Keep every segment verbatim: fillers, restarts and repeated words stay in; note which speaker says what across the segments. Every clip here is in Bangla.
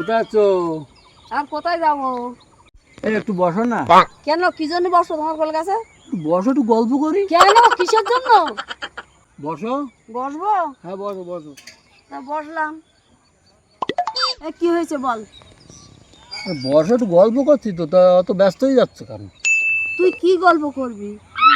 Speaker 1: কোথায় আছো?
Speaker 2: আর কোথায় যাবো?
Speaker 1: এই একটু বসো না।
Speaker 2: কেন, কি জন্য বসো তোমার কোল কাছে?
Speaker 1: বসো, একটু গল্প করি।
Speaker 2: কেন, কিসের জন্য?
Speaker 1: বসো।
Speaker 2: বসবো?
Speaker 1: হ্যাঁ বসো বসো।
Speaker 2: তা বসলাম। এ কি হয়েছে বল?
Speaker 1: বসো, একটু গল্প করছি তো, তা অত ব্যস্ত হয়ে যাচ্ছে কেন?
Speaker 2: তুই কি গল্প করবি?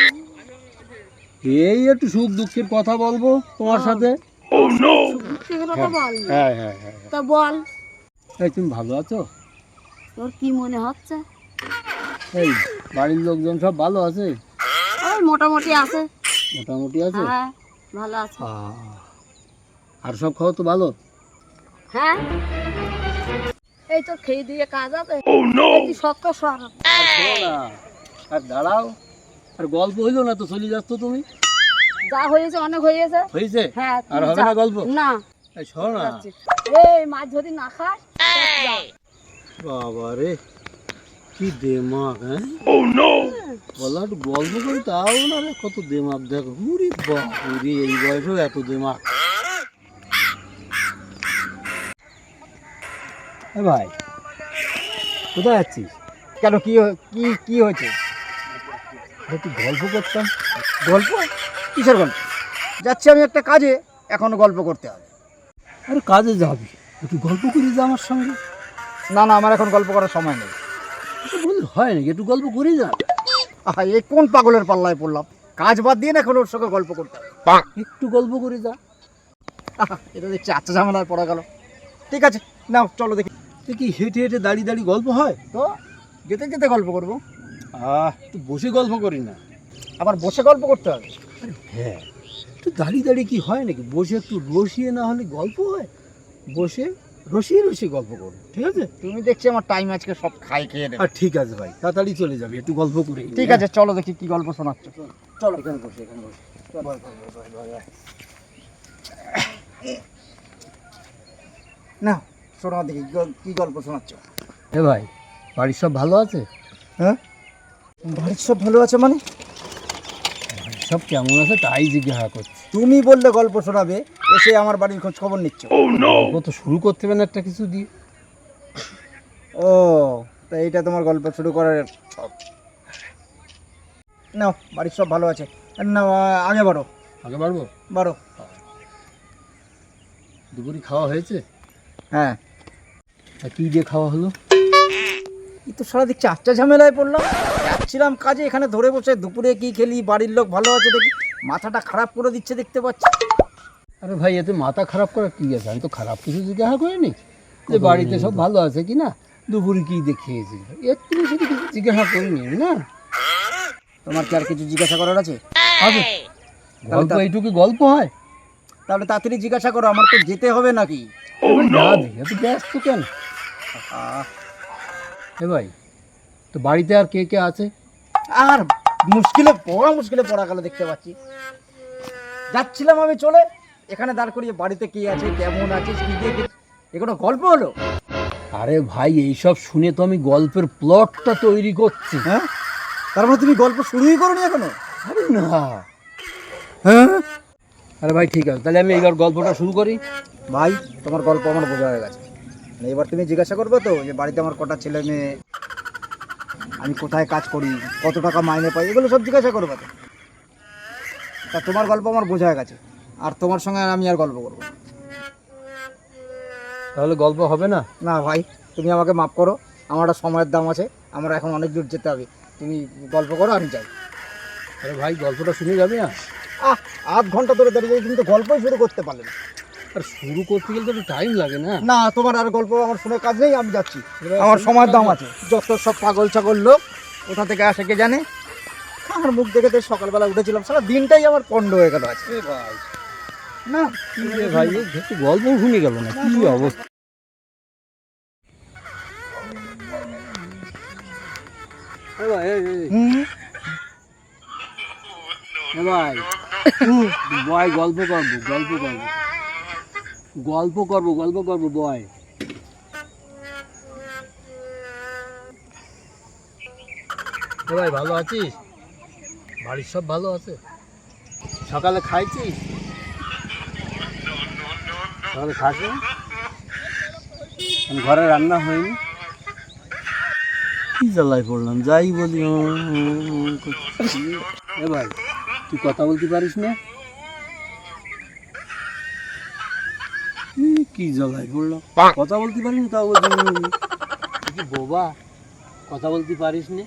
Speaker 1: এই একটু সুখ দুঃখের কথা বলবো তোমার সাথে।
Speaker 2: সেগুলো তো বল।
Speaker 1: হ্যাঁ হ্যাঁ হ্যাঁ।
Speaker 2: তা বল।
Speaker 1: এই তুমি ভালো আছো?
Speaker 2: তোর কি মনে হচ্ছে?
Speaker 1: এই বাড়ির লোকজন সব ভালো আছে?
Speaker 2: ওই মোটামুটি আছে।
Speaker 1: মোটামুটি আছে?
Speaker 2: হ্যাঁ ভালো আছে।
Speaker 1: আহ, আর সব খাওয়া তো ভালো?
Speaker 2: হ্যাঁ এই তো খেয়ে দিয়ে কাজ আছে। তুই সত্য সর।
Speaker 1: আর শোনো না, আর দাঁড়াও, আর গল্প হইলো না তো, চলে যাচ্ছ তুমি।
Speaker 2: যা হয়েছে অনেক হয়েছে।
Speaker 1: হয়েছে?
Speaker 2: হ্যাঁ তুই
Speaker 1: আর হবে
Speaker 2: যা।
Speaker 1: না গল্প?
Speaker 2: না।
Speaker 1: এই শোনো না।
Speaker 2: এই মাছ যদি না খাস যা।
Speaker 1: বাবা রে, কি দেমাগ! হ্যাঁ বলা একটু গল্প করি, তাও না রে, কত দেমাগ দেখো। উরি বাপুরি, এই বয়সেও এত দেমাগ। এ ভাই, কোথায় যাচ্ছিস?
Speaker 3: কেন, কি হ- কি কি হয়েছে?
Speaker 1: একটু গল্প করতাম।
Speaker 3: গল্প? কিসের গল্প? যাচ্ছি আমি একটা কাজে, এখনো গল্প করতে হবে।
Speaker 1: আরে কাজে যাবি, একটু গল্প করি যা আমার সঙ্গে।
Speaker 3: না না, আমার এখন গল্প করার সময় নেই।
Speaker 1: এটা বললে হয় নাকি? একটু গল্প করি যা।
Speaker 3: আহা, এই কোন পাগলের পাল্লায় পড়লাম? কাজ বাদ দিয়ে না এখন ওর সঙ্গে গল্প করতে হবে।
Speaker 1: একটু গল্প করি যা।
Speaker 3: আহা, এটা দেখছি আচ্ছা ঝামেলায় পড়া গেল। ঠিক আছে, নাও চলো দেখি।
Speaker 1: তুই কি হেঁটে হেঁটে দাঁড়িয়ে দাঁড়িয়ে গল্প হয়?
Speaker 3: তো যেতে যেতে গল্প করবো।
Speaker 1: আহ, তুই বসে গল্প করি না।
Speaker 3: আবার বসে গল্প করতে হবে?
Speaker 1: আরে হ্যাঁ, একটু দাঁড়িয়ে দাঁড়িয়ে কি হয় নাকি? বসে একটু রসিয়ে না হলে গল্প হয়? বসে রসিয়ে রসিয়ে গল্প করো, ঠিক আছে?
Speaker 3: তুমি দেখছি আমার টাইম আজকে সব খাই খেয়ে নেবে।
Speaker 1: আর ঠিক আছে ভাই, তাড়াতাড়ি চলে যাবি, একটু গল্প করে।
Speaker 3: ঠিক আছে চলো দেখি কি গল্প শোনাচ্ছ।
Speaker 1: চলো এখানে বসে, এখানে বসে।
Speaker 3: না শোনো দেখি গ- কি গল্প শোনাচ্ছ।
Speaker 1: এ ভাই, বাড়ির সব ভালো আছে?
Speaker 3: হ্যাঁ, বাড়ির সব ভালো আছে মানে?
Speaker 1: বাড়ির সব কেমন আছে তাই জিজ্ঞাসা করছি।
Speaker 3: তুমি বললে গল্প শোনাবে, এসে আমার বাড়ির খোঁজ খবর নিচ্ছ।
Speaker 1: গল্প তো শুরু করতে হবে না একটা কিছু দিয়ে?
Speaker 3: ও, তা এইটা তোমার গল্প শুরু করার ছক। নাও, বাড়ির সব ভালো আছে। না, আগে বাড়ো
Speaker 1: আগে বাড়বো?
Speaker 3: বাড়ো।
Speaker 1: দুপুরে খাওয়া হয়েছে?
Speaker 3: হ্যাঁ।
Speaker 1: আর কি দিয়ে খাওয়া হলো?
Speaker 3: এই তো সারা দেখছি আচ্ছা ঝামেলায় পড়লাম। যাচ্ছিলাম কাজে, এখানে ধরে বসে দুপুরে কি খেলি, বাড়ির লোক ভালো আছে দেখি মাথাটা খারাপ করে দিচ্ছে দেখতে পাচ্ছি।
Speaker 1: আরে ভাই, এতে মাথা খারাপ করার কি আছে? আমি তো খারাপ কিছু জিজ্ঞাসা করিনি, যে বাড়িতে সব ভালো আছে কি না, দুপুরে কি দিয়ে খেয়েছি, একটু বেশি কিছু জিজ্ঞাসা করিনি আমি। না,
Speaker 3: তোমার কি আর কিছু জিজ্ঞাসা করার আছে?
Speaker 1: আছে। গল্প এইটুকু গল্প হয়?
Speaker 3: তাহলে তাড়াতাড়ি জিজ্ঞাসা করো, আমার তো যেতে হবে নাকি?
Speaker 1: যাবি, এত ব্যস্ত কেন?
Speaker 3: আহ,
Speaker 1: এ ভাই, তো বাড়িতে আর কে কে আছে?
Speaker 3: আর মুশকিলে পড়া মুশকিলে পড়া গেল দেখতে পাচ্ছি। যাচ্ছিলাম আমি চলে, এখানে দাঁড় করিয়ে বাড়িতে কি আছে, কেমন আছিস, কি দিয়ে কি- এ কোনো গল্প হলো?
Speaker 1: আরে ভাই, এইসব শুনে তো আমি গল্পের প্লটটা তৈরি করছি।
Speaker 3: হ্যাঁ, তার মানে তুমি গল্প শুরুই করোনি এখনো?
Speaker 1: আরে না।
Speaker 3: হ্যাঁ
Speaker 1: আরে ভাই ঠিক আছে, তাহলে আমি এইবার গল্পটা শুরু করি।
Speaker 3: ভাই, তোমার গল্প আমার বোঝা হয়ে গেছে। মানে এবার তুমি জিজ্ঞাসা করবে তো যে বাড়িতে আমার কটা ছেলে মেয়ে, আমি কোথায় কাজ করি, কত টাকা মাইনে পাই, এগুলো সব জিজ্ঞাসা করবে তো। তা তোমার গল্প আমার বোঝা হয়ে গেছে, আর তোমার সঙ্গে আমি আর গল্প করবো না।
Speaker 1: তাহলে গল্প হবে না?
Speaker 3: না ভাই, তুমি আমাকে মাফ করো, আমার একটা সময়ের দাম আছে, আমার এখন অনেক দূর যেতে হবে। তুমি গল্প করো, আমি যাই।
Speaker 1: আরে ভাই, গল্পটা শুনে যাবে না?
Speaker 3: আহ, আধ ঘন্টা ধরে দাঁড়িয়ে তুমি তো গল্পই শুরু করতে পারলে না।
Speaker 1: আর শুরু করতে গেলে তো একটু টাইম লাগে না?
Speaker 3: না, তোমার আর গল্প আমার শুনে কাজ নেই, আমি যাচ্ছি। আমার সময়ের দাম আছে। যত সব পাগল ছাগল লোক কোথা থেকে আসে কে জানে। আমার মুখ দেখে তো সকালবেলা উঠেছিলাম, সারা দিনটাই আমার পণ্ড হয়ে গেল আজকে।
Speaker 1: এ ভাই,
Speaker 3: না
Speaker 1: কি রে ভাই, এই একটু গল্প শুনে গেল না, কি অবস্থা! এ ভাই, এই, এই,
Speaker 3: হুম,
Speaker 1: এ ভাই, বয় গল্প করবো, গল্প করবো, গল্প করবো, গল্প করবো, বয়। এ ভাই, ভালো আছিস? বাড়ির সব ভালো আছে? সকালে খাইছিস? সকালে খাস না? ঘরে রান্না হয়নি। কি জ্বালায় পড়লাম, যাই বলি হুঁ, হুঁ, হুঁ করছি। এ ভাই, তুই কথা বলতে পারিস না? ই, কি জ্বালায় পড়লাম, কথা বলতে পারিস না, তাও বলছি হুঁ, হুঁ। তুই কি বোবা, কথা বলতে পারিস না?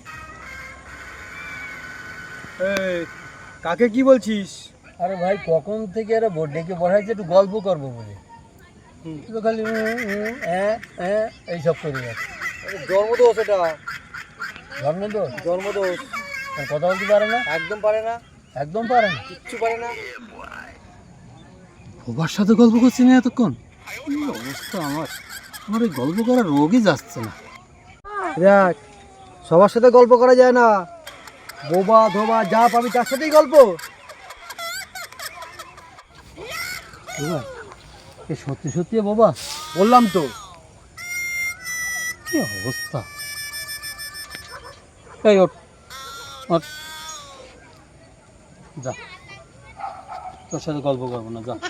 Speaker 3: কাকে কি বলছিস?
Speaker 1: আরে ভাই, কখন থেকে আরে বোর্ড ডেকে বসাইছে একটু গল্প করবো বলে, তুই তো খালি হুঁ, হুঁ, হ্যাঁ হ্যাঁ এইসব করে যাচ্ছে।
Speaker 3: জন্মদোষ এটা,
Speaker 1: ধর্মদোষ,
Speaker 3: জন্মদোষ।
Speaker 1: আর কথা বলতে পারে না,
Speaker 3: একদম পারে না,
Speaker 1: একদম পারে না।
Speaker 3: কিচ্ছু পারে না।
Speaker 1: বাবার সাথে গল্প করছি না এতক্ষণ, কি অবস্থা আমার, আমার এই গল্প করার রোগই যাচ্ছে না।
Speaker 3: দেখ, সবার সাথে গল্প করা যায় না, বোবা ধোবা যা পাবি তার সাথেই গল্প।
Speaker 1: বাবা, এ সত্যি সত্যি বাবা,
Speaker 3: বললাম তো।
Speaker 1: কি অবস্থা, এই ওঠ, ওঠ, যা, তোর সাথে গল্প করবো না, যা।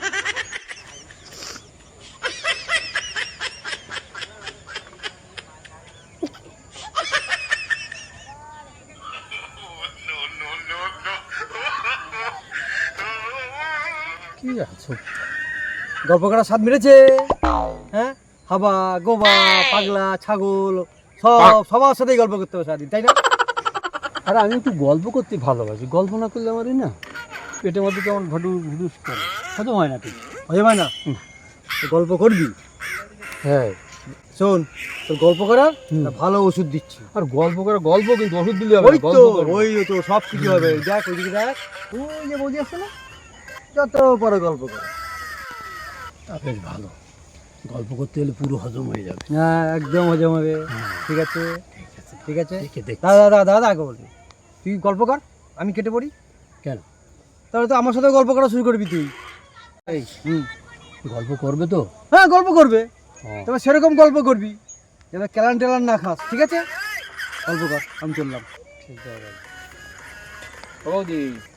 Speaker 1: কি আছো,
Speaker 3: গল্প করার স্বাদ মেরেছে। হ্যাঁ, হাবা গোবা পাগলা ছাগল সব সবার সাথেই গল্প করতে হবে সারাদিন, তাই না?
Speaker 1: আরে আমি একটু গল্প করতে ভালোবাসি, গল্প না করলে আমারই না পেটের মধ্যে কেমন ভডুস ভুডুস করে, হজম হয় না ঠিক।
Speaker 3: হয়ে যায় না, তো গল্প করবি।
Speaker 1: হ্যাঁ,
Speaker 3: শোন, তোর গল্প করার
Speaker 1: হুম।
Speaker 3: একটা ভালো ওষুধ দিচ্ছি।
Speaker 1: আর গল্প করে গল্প কিন্তু ওষুধ দিলে হবে
Speaker 3: ওই
Speaker 1: না, গল্প
Speaker 3: তো
Speaker 1: করবো।
Speaker 3: ওই তো সব কিছু হবে। দেখ ওইদিকে দেখ, ওই যে বৌদি আসছে না, যত পরে গল্প করে।
Speaker 1: তা বেশ ভালো, গল্প করতে গেলে পুরো হজম হয়ে যাবে।
Speaker 3: হ্যাঁ, একদম হজম হবে।
Speaker 1: হ্যাঁ।
Speaker 3: ঠিক আছে, ঠিক আছে।
Speaker 1: দেখে দেখ,
Speaker 3: দাদা দাদা দাদা আগে বলবি, তুই গল্প কর, আমি কেটে পড়ি।
Speaker 1: কেন?
Speaker 3: তাহলে তো আমার সাথে গল্প করা শুরু করবি তুই।
Speaker 1: এই
Speaker 3: হুম,
Speaker 1: গল্প করবে তো?
Speaker 3: হ্যাঁ গল্প করবে,
Speaker 1: ও,
Speaker 3: তবে সেরকম গল্প করবি যেন ক্যালান টেলান না খাস, ঠিক আছে? গল্প কর, আমি চললাম।
Speaker 1: ঠিক আছে। বৌদি,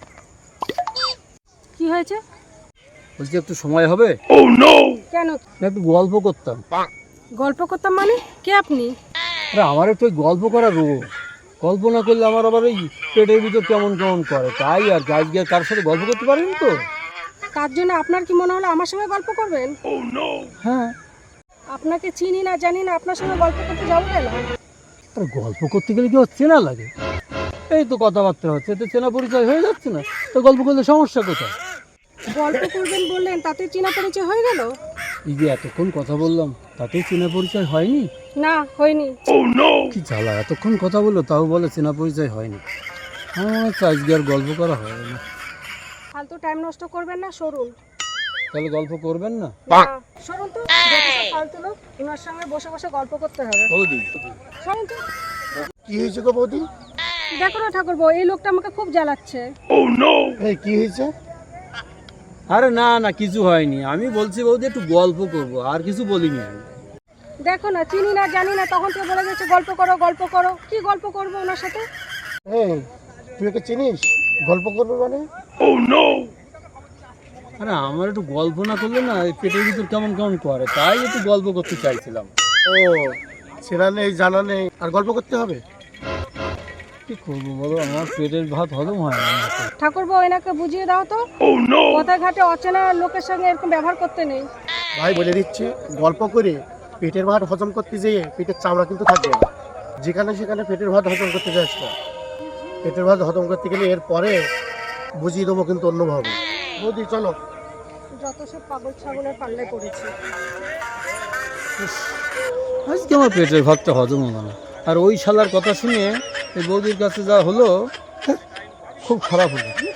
Speaker 2: কি হয়েছে?
Speaker 1: বলছি একটু সময় হবে?
Speaker 2: কেন?
Speaker 1: একটু গল্প করতাম।
Speaker 2: গল্প করতাম মানে? কে আপনি?
Speaker 1: আরে আমার একটু ওই গল্প করার রোগ, গল্প না করলে আমার আবার ওই পেটের ভিতর কেমন কেমন করে, তাই আর গাছ গিয়ে কার সাথে গল্প করতে পারেন তো।
Speaker 2: তার জন্য আপনার কি মনে হলো আমার সঙ্গে গল্প করবেন?
Speaker 1: হ্যাঁ,
Speaker 2: আপনাকে চিনি না জানি না, আপনার সঙ্গে গল্প করতে যাবো কেন?
Speaker 1: আর গল্প করতে গেলে কি হচ্ছে না লাগে, এই তো কথাবার্তা হচ্ছে, এতে চেনা পরিচয় হয়ে যাচ্ছে না, তো গল্প করলে সমস্যা কোথায়?
Speaker 2: গল্প করবেন বললেন, তাতে চেনা পরিচয় হয়ে গেল?
Speaker 1: এই যে এতক্ষণ কথা বললাম, তাতেই চেনা পরিচয় হয়নি?
Speaker 2: না, হয়নি।
Speaker 1: কি জ্বালা, এতক্ষণ কথা বললো তাও বলে চেনা পরিচয় হয়নি। আমার তো আজকে আর গল্প করা হয় না।
Speaker 2: ফালতু টাইম নষ্ট করবেন না, সরুন।
Speaker 1: তাহলে গল্প করবেন না?
Speaker 2: না, সরুন তো, যত সব ফালতু লোক, ওনার সঙ্গে বসে বসে গল্প করতে হবে।
Speaker 1: বৌদি,
Speaker 2: সরুন তো।
Speaker 3: কি হয়েছে গো বৌদি?
Speaker 2: দেখো না ঠাকুরপো, এই লোকটা আমাকে খুব জ্বালাচ্ছে।
Speaker 3: এই কি হয়েছে?
Speaker 1: আরে না না, কিছু হয়নি, আমি বলছি বৌদি একটু গল্প করবো, আর কিছু বলিনি আমি।
Speaker 2: দেখো না, চিনি না জানি না, তখন থেকে বলে যাচ্ছে গল্প করো গল্প করো। কি গল্প করবো ওনার সাথে?
Speaker 3: এই তুই ওকে চিনিস? গল্প করবে মানে?
Speaker 1: আরে আমার একটু গল্প না করলে না এই পেটের ভিতর কেমন কেমন করে, তাই একটু গল্প করতে চাইছিলাম।
Speaker 3: ও, চেনা নেই জানা নেই আর গল্প করতে হবে?
Speaker 1: কি করবো বলো, আমার পেটের ভাত হজম হয় না আমার তো।
Speaker 2: ঠাকুরপো, এনাকে বুঝিয়ে দাও তো, পথে ঘাটে অচেনা লোকের সঙ্গে এরকম ব্যবহার করতে নেই।
Speaker 4: ভাই বলে দিচ্ছি, গল্প করে পেটের ভাত হজম করতে যেয়ে পেটের চামড়া কিন্তু থাকবে না। যেখানে সেখানে পেটের ভাত হজম করতে যাস না। পেটের ভাত হজম করতে গেলে এর পরে বুঝিয়ে দেবো কিন্তু অন্যভাবে। বৌদি চলো।
Speaker 2: যত সব পাগল ছাগলের পাল্লায় পড়েছে।
Speaker 1: আজকে আমার পেটের ভাতটা হজম হলো না, আর ওই শালার কথা শুনে এই বৌদির কাছে যা হলো, খুব খারাপ হলো।